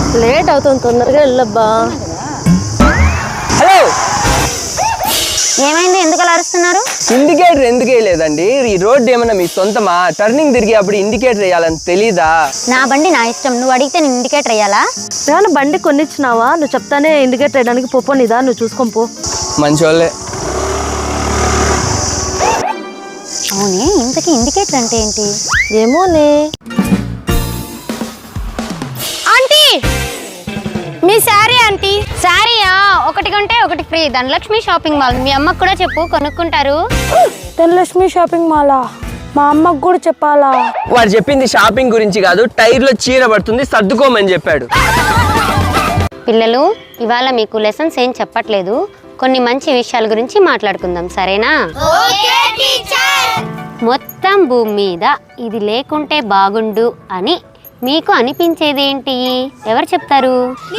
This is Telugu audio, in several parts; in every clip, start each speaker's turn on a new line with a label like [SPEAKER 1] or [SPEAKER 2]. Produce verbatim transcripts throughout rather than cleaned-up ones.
[SPEAKER 1] లేట్ అవుతుంది, తొందరగా వెళ్ళబ్బా.
[SPEAKER 2] హలో,
[SPEAKER 3] ఏమైంది? ఎందుకు అలా అరుస్తున్నారు?
[SPEAKER 2] ఇండికేటర్ ఎందుకు వేయలేదండి? ఈ రోడ్డు ఏమన్నా మీ సొంతమా? టర్నింగ్ తిరిగి అప్పుడు ఇండికేటర్ వేయాలని తెలీదా?
[SPEAKER 3] నా బండి నా ఇష్టం, నువ్వు అడిగితే నేను ఇండికేటర్ వేయాలా?
[SPEAKER 1] ఏమన్నా బండి కొనిచ్చినావా? నువ్వు చెప్తానే ఇండికేటర్ వేయడానికి పోపో, నీదా నువ్వు చూసుకొని పో.
[SPEAKER 2] మంచోళ్ళే.
[SPEAKER 3] అవునే, ఇంతకీ ఇండికేటర్ అంటే ఏంటి?
[SPEAKER 1] ఏమోనే.
[SPEAKER 3] ఆంటీ, మీ శారీ ఆంటీ. శారీయా? ఒకటి కొంటే ఒకటి ఫ్రీ. Dhanalakshmi shopping mall. మీ అమ్మకు కూడా చెప్పు, కొనుక్కుంటారు.
[SPEAKER 1] ధనలక్ష్మి షాపింగ్ మాలా? మా అమ్మకు కూడా చెప్పాలా?
[SPEAKER 2] వాడు చెప్పింది షాపింగ్ గురించి కాదు, టైర్ లో చీర పడుతుంది సర్దుకోమని చెప్పాడు.
[SPEAKER 3] పిల్లలు, ఇవాళ మీకు లెసన్స్ ఏం చెప్పట్లేదు, కొన్ని మంచి విషయాల గురించి మాట్లాడుకుందాం, సరేనా? మొత్తం భూమి మీద ఇది లేకుంటే బాగుండు అని మీకు అనిపించేది ఏంటి? ఎవరు చెప్తారు?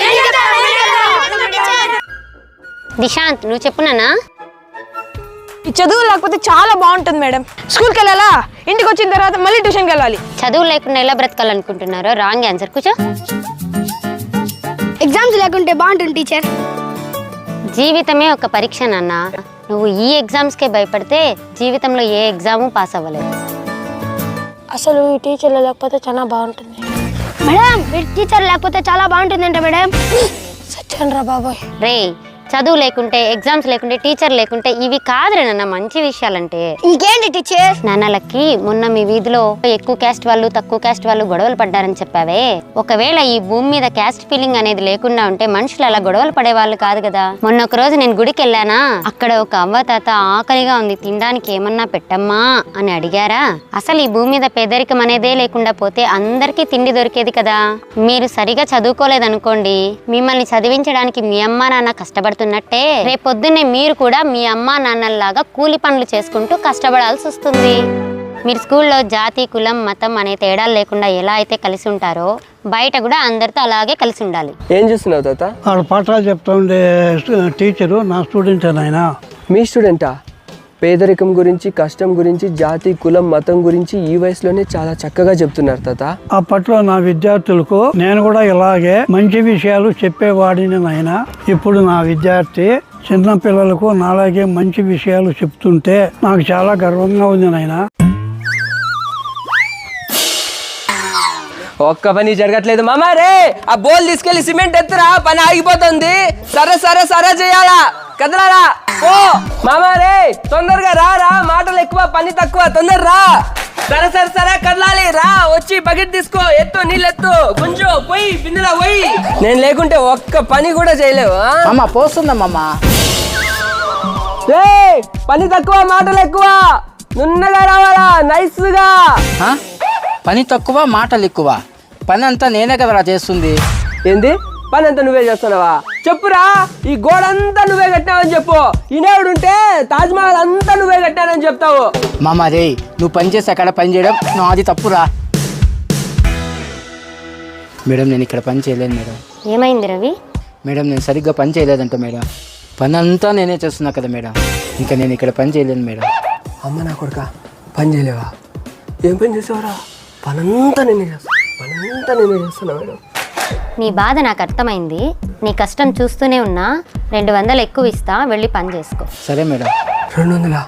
[SPEAKER 3] దిశాంత్, నువ్వు చెప్పునానా?
[SPEAKER 4] ఈ చదువు లేకపోతే చాలా బాగుంటుంది మేడం. స్కూల్కి వెళ్ళాలా, ఇంటికి వచ్చిన తర్వాత మళ్ళీ ట్యూషన్కి వెళ్ళాలి.
[SPEAKER 3] చదువు లేకుండా ఎలా బ్రతకాలనుకుంటున్నారో? Wrong answer. కూర్చో.
[SPEAKER 4] ఎగ్జామ్స్ లేకుంటే బాగుంటుంది టీచర్.
[SPEAKER 3] జీవితమే ఒక పరీక్ష నాన్న. నువ్వు ఈ ఎగ్జామ్స్కే భయపడితే జీవితంలో ఏ ఎగ్జాము పాస్ అవ్వలేదు.
[SPEAKER 4] అసలు ఈ టీచర్లు లేకపోతే చాలా బాగుంటుంది మేడం. ఈ టీచర్ లేకపోతే చాలా బాగుంటుందంట మేడం. సత్యం రా బాబోయ్.
[SPEAKER 3] రే, చదువు లేకుంటే, ఎగ్జామ్స్ లేకుంటే, టీచర్ లేకుంటే ఇవి కాదురే నాన్న మంచి విషయాలంటే.
[SPEAKER 4] ఇంకేంటి టీచర్?
[SPEAKER 3] నాన్నలకి మొన్న మీ వీధిలో ఎక్కువ క్యాస్ట్ వాళ్ళు తక్కువ క్యాస్ట్ వాళ్ళు గొడవలు పడ్డారని చెప్పావే, ఒకవేళ ఈ భూమి మీద క్యాస్ట్ ఫీలింగ్ అనేది లేకుండా ఉంటే మనుషులు అలా గొడవలు పడే వాళ్ళు కాదు కదా. మొన్న ఒక రోజు నేను గుడికి వెళ్ళానా, అక్కడ ఒక అవ్వ తాత ఆకలిగా ఉంది, తినడానికి ఏమన్నా పెట్టమ్మా అని అడిగారా? అసలు ఈ భూమి మీద పేదరికం అనేదే లేకుండా పోతే అందరికీ తిండి దొరికేది కదా. మీరు సరిగా చదువుకోలేదనుకోండి, మిమ్మల్ని చదివించడానికి మీ అమ్మా నాన్న కష్టపడుతున్నట్టే రేపొద్దున్నే మీరు కూడా మీ అమ్మా నాన్నల్లాగా కూలి పనులు చేసుకుంటూ కష్టపడాల్సి వస్తుంది. మీరు స్కూల్లో జాతి కులం మతం అనే తేడాలు లేకుండా ఎలా అయితే కలిసి ఉంటారో బయట కూడా అందరితో అలాగే కలిసి ఉండాలి.
[SPEAKER 2] ఏం చూస్తున్నావు తాత?
[SPEAKER 5] వాళ్ళ పాఠాలు చెప్తా ఉండే టీచరు నా స్టూడెంట్ ఆయన.
[SPEAKER 2] మీ స్టూడెంటా? పేదరికం గురించి, కష్టం గురించి, జాతి కులం మతం గురించి ఈ వయసులోనే చాలా చక్కగా చెప్తున్నారు తాత.
[SPEAKER 5] అప్పట్లో నా విద్యార్థులకు నేను కూడా ఇలాగే మంచి విషయాలు చెప్పేవాడిని నాయన. ఇప్పుడు నా విద్యార్థి చిన్న పిల్లలకు నాలాగే మంచి విషయాలు చెప్తుంటే నాకు చాలా గర్వంగా ఉంది నాయన.
[SPEAKER 2] ఒక్క పని జరగట్లేదు మామా. రే, ఆ బోల్ తీసుకెళ్లి సిమెంట్ ఎత్తురా, పని ఆగిపోతుంది. సరే సరే సరే చేయాలా, కదలారా ఓ మామా. రే, తొందరగా రా రా, మాటలు ఎక్కువ పని తక్కువ, తొందర రా. సరే సరే సరే కదలాలి, రా. వచ్చి బకెట్ తీసుకో, ఎత్తు, నీళ్ళు ఎత్తు, కొంచెం పోయి బిందులో పోయి. నేను లేకుంటే ఒక్క పని కూడా చేయలేవు.
[SPEAKER 6] అమ్మ పోస్తుందమ్మా.
[SPEAKER 2] రే, పని తక్కువ మాటలు ఎక్కువ, నున్నగా రావాలా, నైస్ గా.
[SPEAKER 6] పని తక్కువ మాటలు ఎక్కువ. పని అంతా నేనే కదరా చేస్తుంది.
[SPEAKER 2] ఏంది పని అంతా నువ్వే చేస్తున్నావా? చెప్పురా, ఈ గోడ అంతా నువ్వే కట్టినావని చెప్పు. ఈనేవుడు ఉంటే తాజ్మహల్ అంతా నువ్వే కట్టానని చెప్తావు.
[SPEAKER 6] మామ రే, నువ్వు పని చేసి అక్కడ పని చేయడం నాది తప్పురా. మేడం, నేను ఇక్కడ పని చేయలేను మేడం.
[SPEAKER 3] ఏమైంది రవి?
[SPEAKER 6] మేడం, నేను సరిగ్గా పని చేయలేదంట మేడం. పని అంతా నేనే చేస్తున్నా కదా మేడం. ఇంకా నేను ఇక్కడ పని చేయలేను మేడం.
[SPEAKER 2] అమ్మ నా కొడుక, పని చేయలేవా? ఏం పని చేసావరా? పనంతా నేనే చేస్తా, పనంతా నేనే చేస్తున్నా మేడం.
[SPEAKER 3] నీ బాధ నాకు అర్థమైంది. నీ కష్టం చూస్తూనే ఉన్నా. రెండు వందలు ఎక్కువ ఇస్తా, వెళ్ళి పని చేసుకో.
[SPEAKER 6] సరే మేడం.
[SPEAKER 2] రెండు వందలా?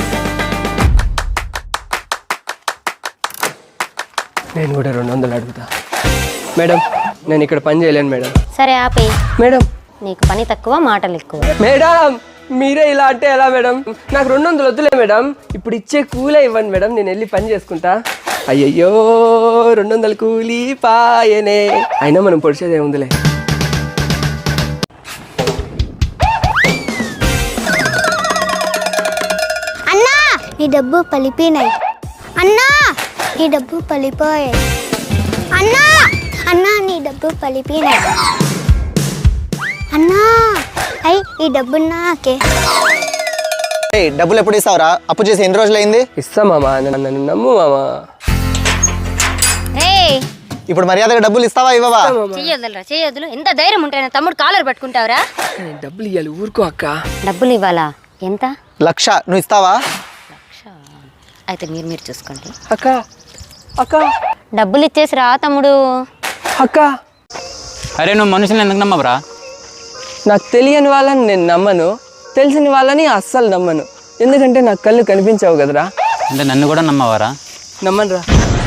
[SPEAKER 2] నేను కూడా రెండు వందలు అడుగుతా మేడం. నేను ఇక్కడ పని చేయలేను మేడం.
[SPEAKER 3] సరే ఆపే.
[SPEAKER 2] మేడం,
[SPEAKER 3] నీకు పని తక్కువ మాటలు ఎక్కువ.
[SPEAKER 2] మేడం మీరే ఇలా అంటే ఎలా మేడం? నాకు రెండు వందలు వద్దులే మేడం, ఇప్పుడు ఇచ్చే కూలే ఇవ్వండి మేడం, నేను వెళ్ళి పని చేసుకుంటా. అయ్యయ్యో, రెండు వందలు కూలీ పాయనే. అయినా మనం పొడిచేది ఏముందిలే.
[SPEAKER 7] అన్నా, నీ డబ్బు పలిపినాయి. అన్నా, నీ డబ్బు పలిపోయాయి. అన్నా అన్నా నీ డబ్బు పలిపినాయి. అన్నా, అయ్యి ఈ డబ్బు నాకే.
[SPEAKER 8] డబ్బులు ఎప్పుడు ఇస్తావురా? అప్పు చేసి ఎన్ని రోజులైంది?
[SPEAKER 2] ఇస్తా మామా, నన్ను నమ్ము మామా.
[SPEAKER 8] ఇప్పుడు మర్యాదగా డబ్బులు ఇస్తావా ఇవ్వవా?
[SPEAKER 3] చెయ్యొద్దురా, చెయ్యొద్దులు. ఎంత ధైర్యం ఉంటే నా తమ్ముడు కాలర్ పట్టుకుంటావురా?
[SPEAKER 2] డబ్బులు ఇవ్వాలి, ఊరుకో అక్క.
[SPEAKER 3] డబ్బులు ఇవ్వాలా? ఎంత?
[SPEAKER 8] లక్ష. నువ్వు ఇస్తావా?
[SPEAKER 3] అయితే మీరు మీరు చూసుకోండి.
[SPEAKER 2] అక్క అక్క
[SPEAKER 3] డబ్బులు ఇచ్చేసి రా తమ్ముడు.
[SPEAKER 2] అక్క
[SPEAKER 6] అరే నువ్వు మనుషులను ఎందుకు నమ్మవురా?
[SPEAKER 2] నాకు తెలియని వాళ్ళని నేను నమ్మను, తెలిసిన వాళ్ళని అస్సలు నమ్మను. ఎందుకంటే నాకు కళ్ళు కనిపించావు కదరా.
[SPEAKER 6] అంటే నన్ను కూడా నమ్మవారా?
[SPEAKER 2] నమ్మనురా.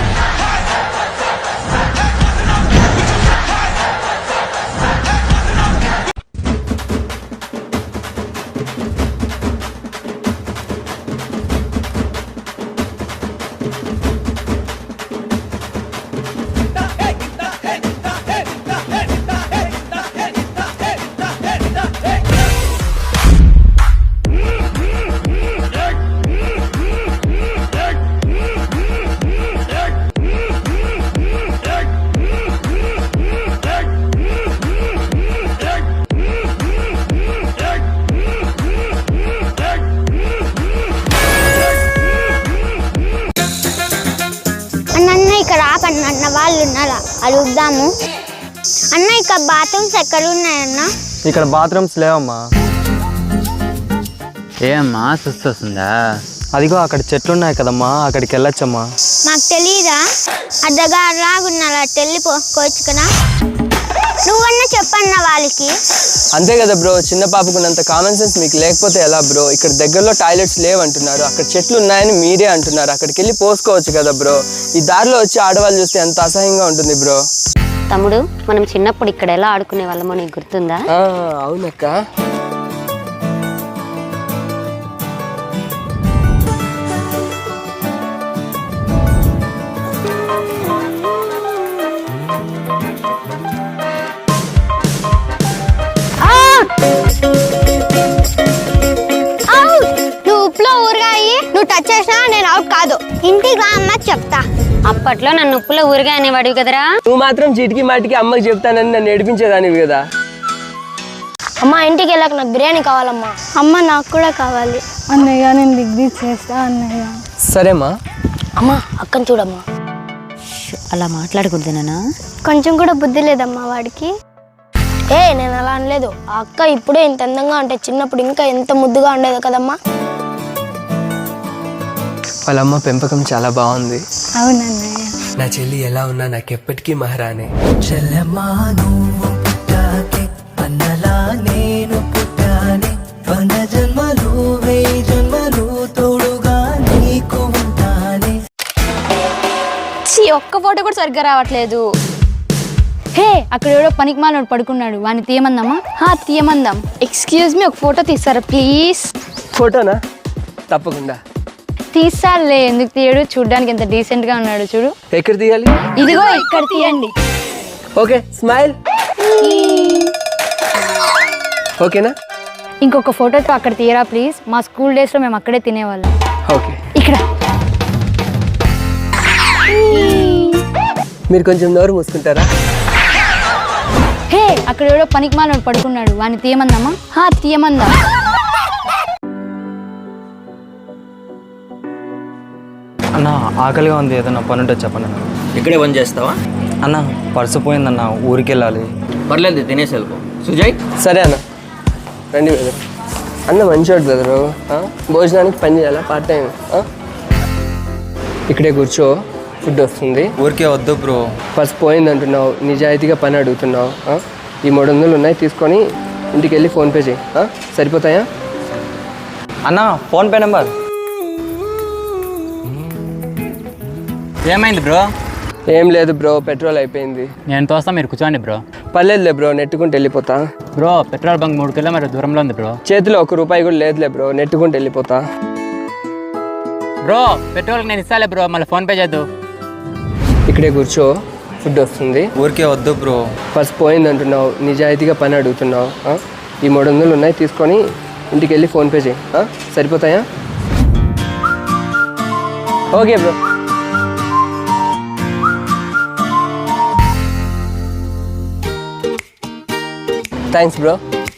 [SPEAKER 7] అన్న ఇక్కడ ఆపన్న అన్న వాళ్ళు ఉన్నారా అడుగుదాము. అన్న ఇక్కడ బాత్రూమ్స్ ఎక్కడ ఉన్నాయన్న?
[SPEAKER 8] ఇక్కడ బాత్రూమ్స్ లేవమ్మా.
[SPEAKER 6] ఏమ్మా సుస్తు వస్తుందా?
[SPEAKER 8] అదిగో అక్కడ చెట్లు ఉన్నాయి కదమ్మా, అక్కడికి వెళ్ళొచ్చమ్మా.
[SPEAKER 7] మాకు తెలీదా? అద్దగా రాగున్నారా వెళ్ళిపోవచ్చు కదా. నువ్వన్నా చెప్పన్న వాళ్ళకి.
[SPEAKER 2] అంతే కదా బ్రో, చిన్న పాపకున్నంత కామన్ సెన్స్ మీకు లేకపోతే ఎలా బ్రో? ఇక్కడ దగ్గరలో టాయిలెట్స్ లేవంటున్నారు, అక్కడ చెట్లు ఉన్నాయని మీరే అంటున్నారు. అక్కడికి వెళ్ళి పోసుకోవచ్చు కదా బ్రో. ఈ దారిలో వచ్చి ఆడవాళ్ళు చూస్తే ఎంత అసహ్యంగా ఉంటుంది బ్రో.
[SPEAKER 3] తమ్ముడు, మనం చిన్నప్పుడు ఇక్కడ ఎలా ఆడుకునే వాళ్ళమో నీకు గుర్తుందా?
[SPEAKER 2] ఆ, అవునక్క.
[SPEAKER 7] నువ్వు ఉప్పులో ఊరగాయి నువ్వు టచ్ చేసినా నేను అవుట్ కాదు. ఇంటికి రా అమ్మ చెప్తా.
[SPEAKER 3] అప్పట్లో నన్ను ఉప్పులో ఊరిగా అనేవాడివి కదరా.
[SPEAKER 2] నువ్వు మాత్రం చీటికి మాటికి అమ్మకి చెప్తానని నన్ను ఏడిపించేదానివి కదా.
[SPEAKER 4] అమ్మ ఇంటికి వెళ్ళాక నాకు బిర్యానీ కావాలమ్మా.
[SPEAKER 7] అమ్మ నాకు కూడా కావాలి.
[SPEAKER 4] అన్నయ్య నేను డిగ్రీ చేస్తా అన్నయ్య.
[SPEAKER 2] సరేమ్మా.
[SPEAKER 4] అమ్మ అక్కని చూడమ్మా.
[SPEAKER 3] అలా మాట్లాడకూడదు నాన్న.
[SPEAKER 7] కొంచెం కూడా బుద్ధి లేదమ్మా వాడికి.
[SPEAKER 4] ఏ నేను అలా అనలేదు. ఆ అక్క ఇప్పుడే ఇంత అందంగా అంటే చిన్నప్పుడు ఇంకా ఎంత ముద్దుగా ఉండేది కదమ్మా.
[SPEAKER 2] వాళ్ళమ్మ పెంపకం చాలా బాగుంది.
[SPEAKER 7] అవునన్నయ్య.
[SPEAKER 2] నా చెల్లి ఎలా ఉన్నా నాకు ఎప్పటికీ మహారాణి.
[SPEAKER 9] చెల్లెమ్మా నువ్వు పుట్టాకే అన్నలా నేను పుట్టానే. వంద జన్మలు వెయ్యి జన్మలు తోడుగా నీకు ఉంటానే.
[SPEAKER 10] ఒక్క ఫోటో కూడా సరిగ్గా రావట్లేదు. హే, అక్కడ ఎవడో పనికి మాలోడు పడుకున్నాడు, వాడిని తీయమందామా? హా తీయమందాం. ఎక్స్క్యూజ్ మీ, ఒక ఫోటో తీస్తారా ప్లీజ్?
[SPEAKER 2] ఫోటోనా? తప్పకుండా
[SPEAKER 10] తీస్తాలే, ఎందుకు తీయడు? చూడ్డానికి ఎంత డీసెంట్ గా ఉన్నాడు చూడు.
[SPEAKER 2] ఎక్కడ తీయాలి?
[SPEAKER 10] ఇదిగో ఇక్కడ తీయండి.
[SPEAKER 2] Okay, smile. ఓకేనా?
[SPEAKER 10] ఇంకొక ఫోటోతో అక్కడ తీయరా ప్లీజ్. మా స్కూల్ డేస్ లో మేము అక్కడే తినేవాళ్ళం.
[SPEAKER 2] ఓకే,
[SPEAKER 10] ఇక్కడ.
[SPEAKER 2] మీరు కొంచెం నోరు మూసుకుంటారా?
[SPEAKER 10] హే, అక్కడ ఎవడో పనికి మాలోడు పడుకున్నాడు, వాడిని తీయమందామా? హా తీయమందాం.
[SPEAKER 11] అన్న ఆకలిగా ఉంది, ఏదన్నా పని ఉంటే చెప్పండి అన్న.
[SPEAKER 12] ఇక్కడే పని చేస్తావా?
[SPEAKER 11] అన్న పర్సు పోయిందన్న, ఊరికి వెళ్ళాలి.
[SPEAKER 12] పర్లేదు, తినేసి వెళ్ళిపో. సుజయ్
[SPEAKER 2] సరే అన్న, రండి బ్రదర్. అన్న మంచోడు బ్రదరు. భోజనానికి పని చేయాలా పార్ట్ టైం? ఇక్కడే కూర్చో, ఫుడ్ వస్తుంది.
[SPEAKER 11] ఊరికే వద్దు బ్రో.
[SPEAKER 2] ఫస్ట్ పోయింది అంటున్నావు, నిజాయితీగా పని అడుగుతున్నావు. ఈ మూడు వందలు ఉన్నాయి, తీసుకొని ఇంటికి వెళ్ళి ఫోన్పే చేయి. సరిపోతాయా?
[SPEAKER 11] అన్న ఫోన్పే నెంబర్.
[SPEAKER 6] ఏమైంది బ్రో?
[SPEAKER 2] ఏం లేదు బ్రో, పెట్రోల్ అయిపోయింది.
[SPEAKER 6] నేను తోస్తా, మీరు కూర్చోండి బ్రో.
[SPEAKER 2] పర్లేదులే బ్రో, నెట్టుకుంటూ వెళ్ళిపోతా.
[SPEAKER 6] బ్రో పెట్రోల్ బంక్ మూడు కిలోమీటర్ దూరంలో ఉంది బ్రో.
[SPEAKER 2] చేతిలో ఒక రూపాయి కూడా లేదులే బ్రో, నెట్టుకుంటూ వెళ్ళిపోతా.
[SPEAKER 6] బ్రో పెట్రోల్కి నేను ఇస్తాలే బ్రో, మళ్ళీ ఫోన్పే చేద్దు.
[SPEAKER 2] ఇక్కడే కూర్చో, ఫుడ్ వస్తుంది.
[SPEAKER 11] ఊరికే వద్దు బ్రో.
[SPEAKER 2] ఫస్ట్ పోయింది అంటున్నావు, నిజాయితీగా పని అడుగుతున్నావు. ఈ మూడు వందలు ఉన్నాయి, తీసుకొని ఇంటికి వెళ్ళి ఫోన్పే చేయి. సరిపోతాయా? Okay bro. Thanks bro.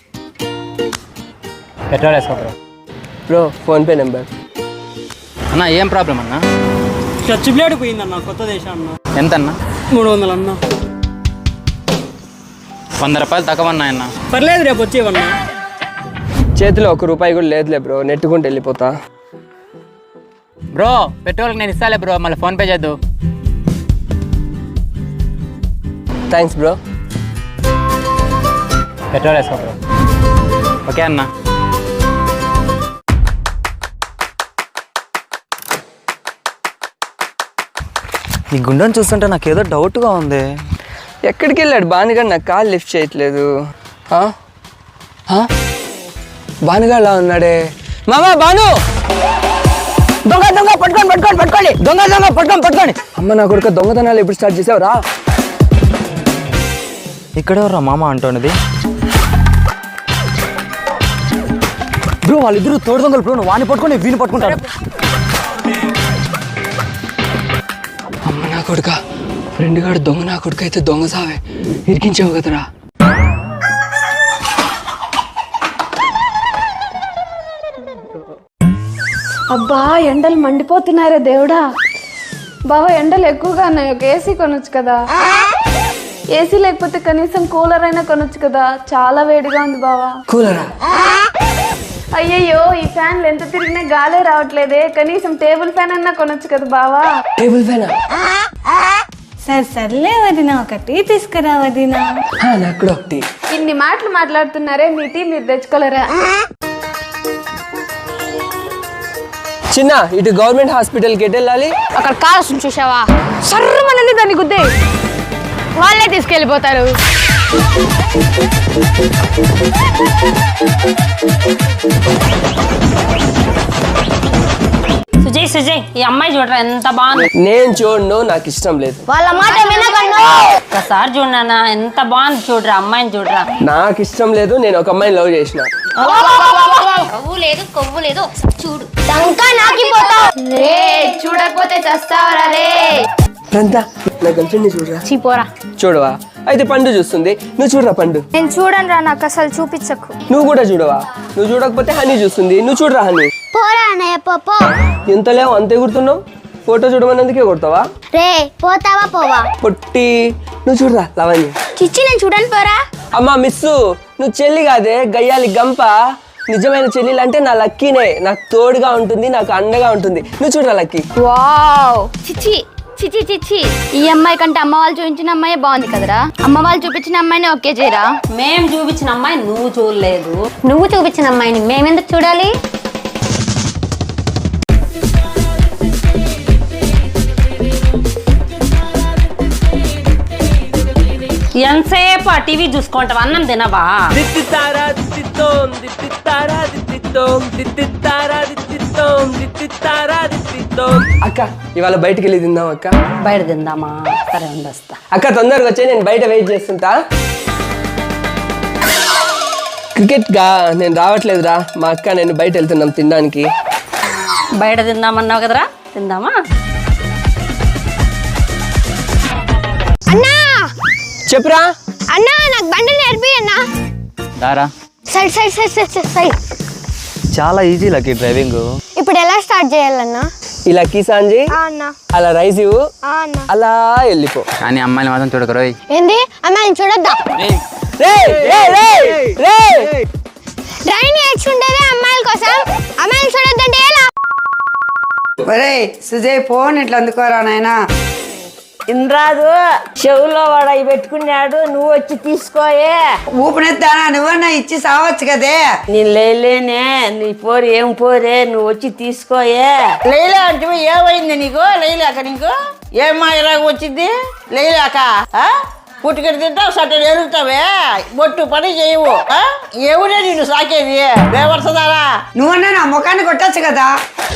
[SPEAKER 6] Petrol వేసుకో బ్రో.
[SPEAKER 2] Bro PhonePe number.
[SPEAKER 6] అన్న ఏం ప్రాబ్లం అన్న?
[SPEAKER 9] చర్చి ప్లేట్ పోయిందన్న, కొత్త దేశం అన్న.
[SPEAKER 6] ఎంత అన్న?
[SPEAKER 9] మూడు వందలు అన్న.
[SPEAKER 6] వంద రూపాయలు తక్కువ అన్న.
[SPEAKER 9] పర్లేదు, రేపు వచ్చేవన్నా.
[SPEAKER 2] చేతిలో ఒక రూపాయి కూడా లేదులే బ్రో, నెట్టుకుంటూ వెళ్ళిపోతా.
[SPEAKER 6] బ్రో పెట్రోల్కి నేను ఇస్తాలే బ్రో, మళ్ళీ ఫోన్పే చేద్దు.
[SPEAKER 2] Thanks bro.
[SPEAKER 8] పెట్రోల్ వేసుకో బ్రో. ఓకే అన్న. ఈ గుండెని చూస్తుంటే నాకు ఏదో డౌట్గా ఉంది.
[SPEAKER 2] ఎక్కడికి వెళ్ళాడు బానుగాడు? నాకు కాల్ లిఫ్ట్ చేయట్లేదు. బానుగాడులా ఉన్నాడే. మామా బాను, దొంగ దొంగ పట్టుకోండి పట్టుకోండి పట్టుకోండి దొంగ దొంగ పట్టుకోండి పట్టుకోండి. అమ్మ నా కొడుకు దొంగతనాలు ఎప్పుడు స్టార్ట్ చేసావురా?
[SPEAKER 8] ఇక్కడెవరా మామ అంటున్నది? బ్రో వాళ్ళిద్దరు తోడు దొంగలు బ్రో. నువ్వు వాడిని పట్టుకొని వీని పట్టుకుంటాడు.
[SPEAKER 2] అమ్మ నా కొడుక, ఫ్రెండ్ గాడు దొంగ నా కొడుకు అయితే దొంగ సావే ఇరికించావు కదరా.
[SPEAKER 10] అబ్బా ఎండలు మండిపోతున్నారే దేవుడా. బావా ఎండలు ఎక్కువగా ఉన్నాయి, ఒక ఏసీ కొనొచ్చు కదా. ఏసీ లేకపోతే కనీసం కూలర్ అయినా కొనొచ్చు కదా, చాలా వేడిగా ఉంది బావా.
[SPEAKER 2] కూలరా?
[SPEAKER 10] అయ్యయ్యో ఈ ఫ్యాన్లు ఎంత తిరిగినా గాలే రావట్లేదే, కనీసం టేబుల్ ఫ్యాన్ అన్నా కొనొచ్చు కదా బావా.
[SPEAKER 2] Table fan?
[SPEAKER 10] సరే సర్లే వదిన, ఒకటి తీసుకురా వదిన.
[SPEAKER 2] నాకు కూడా ఒకటి.
[SPEAKER 10] ఇన్ని మాటలు మాట్లాడుతున్నారే, మీ టీ మీరు తెచ్చుకోలేరా?
[SPEAKER 2] చిన్న ఇటు గవర్నమెంట్ హాస్పిటల్కి ఎటు వెళ్ళాలి?
[SPEAKER 10] అక్కడ కాల్సిన చూసావా, సర్రమనంది దాన్ని గుద్దే వాళ్ళే తీసుకెళ్ళిపోతారు.
[SPEAKER 3] సుజయ్ సుజయ్ ఈ అమ్మాయి చూడరా ఎంత బాగుంది.
[SPEAKER 2] నేను చూడను, నాకు ఇష్టం లేదు.
[SPEAKER 7] వాళ్ళ మాట వినకండి.
[SPEAKER 3] ఒకసారి చూడనా ఎంత బాగుంది, చూడరా అమ్మాయిని చూడరా.
[SPEAKER 2] నాకు ఇష్టం లేదు, నేను ఒక అమ్మాయిని లవ్ చేసిన.
[SPEAKER 3] కొవ్వు లేదు కొవ్వు లేదు, ఒకసారి చూడు.
[SPEAKER 7] దంకా నాకిపోతావు
[SPEAKER 10] రే, చూడకపోతే చస్తావరా రే.
[SPEAKER 2] రంతా నా గర్ల్ ఫ్రెండ్ ని చూడరా.
[SPEAKER 10] చీపోరా.
[SPEAKER 2] చూడవా? అయితే పండు చూస్తుంది, నువ్వు చూడరా పండు.
[SPEAKER 10] నేను చూడను రా, నాకు అసలు చూపించకు.
[SPEAKER 2] నువ్వు కూడా చూడవా? నువ్వు చూడకపోతే హనీ చూస్తుంది, నువ్వు చూడరా హనీ.
[SPEAKER 7] పోరా అన్నయ్య పో.
[SPEAKER 2] ఎంత లేవు అంతే గుర్తున్నావు. ఫోటో చూడమన్నందుకే కొడతావా?
[SPEAKER 7] రే పోతావా పోవా?
[SPEAKER 2] పొట్టి నువ్వు చూడరా లవణ్య.
[SPEAKER 7] చిచ్చి నేను చూడను పోరా.
[SPEAKER 2] అమ్మా మిస్సు, నువ్వు చెల్లి కాదే గయ్యాలి గంప. నిజమైన చెల్లెలు అంటే నా లక్కీనే, నాకు తోడుగా ఉంటుంది, నాకు అండగా ఉంటుంది. నువ్వు చూడరా లక్కీ.
[SPEAKER 10] వావ్ చిచ్చి చిచి చిచి, ఈ అమ్మాయి కంటే అమ్మ వాళ్ళు చూపించిన అమ్మాయి బాగుంది కదరా. అమ్మ వాళ్ళు చూపించిన అమ్మాయిని ఓకే చేయరా?
[SPEAKER 3] మేము చూపించిన అమ్మాయి నువ్వు చూడలేదు, నువ్వు చూపించిన అమ్మాయిని మేమెందుకు చూడాలి? ఎంతసేపు ఆ టీవీ చూసుకుంటావు, అన్నం తినవా?
[SPEAKER 2] అక్క ఇవాళ బయటికి వెళ్ళి తిందాం అక్క.
[SPEAKER 3] బయట తిందామా? సరే ఉండొస్తా.
[SPEAKER 2] అక్క తొందరగా వచ్చే, నేను బయట వెయిట్ చేస్తుంటా. క్రికెట్ గా నేను రావట్లేదురా, మా అక్క నేను బయట వెళ్తున్నాం తినడానికి.
[SPEAKER 3] బయట తిందామన్నావు కదరా, తిందామా?
[SPEAKER 7] అన్నా
[SPEAKER 2] చెప్పురా.
[SPEAKER 7] అన్నా నాకు బండి నేర్పి అన్నా.
[SPEAKER 8] దారా
[SPEAKER 7] side side side side side.
[SPEAKER 8] చాలా ఈజీ లక్కీ డ్రైవింగ్.
[SPEAKER 7] ఇప్పుడు ఎలా స్టార్ట్ చేయాలన్నా?
[SPEAKER 2] ఇలా కీసాంజీ
[SPEAKER 7] అన్నా
[SPEAKER 2] అలా రైస్ ఇవ్వు,
[SPEAKER 7] అన్నా
[SPEAKER 2] అలా వెళ్ళిపో.
[SPEAKER 6] కానీ అమ్మాయిని మాత్రం చూడకరోయ్.
[SPEAKER 7] ఏంది అమ్మాయిని చూడొద్దా? డ్రైవింగ్ నేర్చుకుంటేనే అమ్మాయిల కోసం, అమ్మాయిని చూడొద్దంటే ఎలా?
[SPEAKER 13] ఒరే సుజయ్ ఫోన్ ఇట్లా అందుకోరా నాయనా.
[SPEAKER 1] ఇన్రాదు చెవులో వాడు అవి పెట్టుకున్నాడు, నువ్వు వచ్చి తీసుకోయే.
[SPEAKER 13] ఊపినెత్తానా నువ్వన్నా ఇచ్చి సావచ్చు కదే.
[SPEAKER 1] నేను లేలేనే, నీ పోరు ఏం పోరే, నువ్వు వచ్చి తీసుకోయే.
[SPEAKER 14] లైలా అంటే ఏమైంది నీకు? లైలాక నీకు ఏం మాయరాగా వచ్చింది? లైలాక పుట్టుకడి తింటావు, సట్టలు ఎరుగుతావే, బొట్టు పని చేయవు. ఎవరే నిన్ను సాకేది? బేవర్సదారా
[SPEAKER 13] నువ్వన్నా నా ముఖాన్ని కొట్టచ్చు కదా.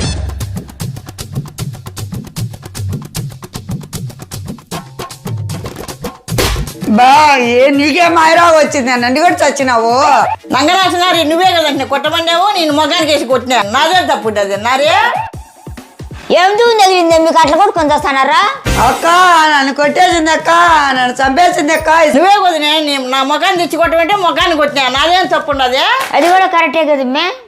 [SPEAKER 13] బా ఏ నీకే మాయరాగా వచ్చింది, నన్ను కూడా చచ్చినావు.
[SPEAKER 14] నంగరాసినారి నువ్వే కదండి కొట్టమన్నావు, నేను మొగానికి వేసి కొట్టినా. నాదే తప్పు ఉంటుంది నారే.
[SPEAKER 7] ఏం తగిలింది మీకు అట్లా కూడా కొంత వస్తున్నారా?
[SPEAKER 13] అక్క నన్ను కొట్టేసింది అక్క, నన్ను చంపేసింది అక్క.
[SPEAKER 14] నువ్వే కొద్దినే నా మొగాన్ని తెచ్చి కొట్టమంటే మొగాన్ని కొట్టినా, నాదేం తప్పు ఉండదు.
[SPEAKER 7] అది కూడా కరెక్టే కదా.